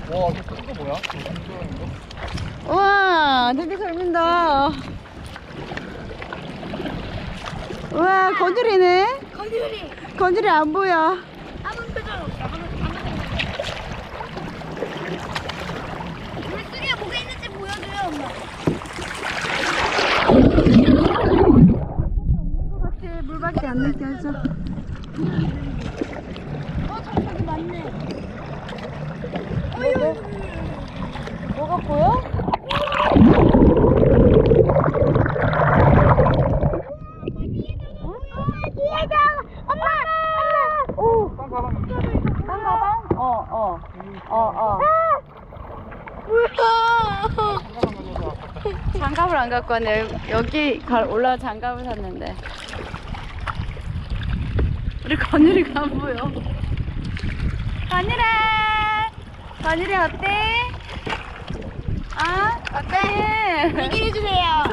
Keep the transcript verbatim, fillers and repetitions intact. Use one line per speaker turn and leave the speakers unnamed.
와, 이거 큰 거 뭐야? 이거?
우와, 되게 잘 민다. 우와, 건드리네.
건드리.
건드리 안 보여.
아무 표정 없어. 아무 아무 물속에 뭐가 있는지 보여줘요, 엄마.
같아, 물밖에 안 느껴져.
어, 저기 맞네.
뭐가, 뭐가 보여?
뒤에서 엄마, 엄마.
오,
딴 가방.
한 가방? 어, 어, 어, 어.
뭐야?
장갑을 안 갖고 왔네. 여기 가- 올라와 장갑을 샀는데. 우리 건율이가 안 보여. 건율아! 건율이 어때? 아? 어때?
얘기해 주세요.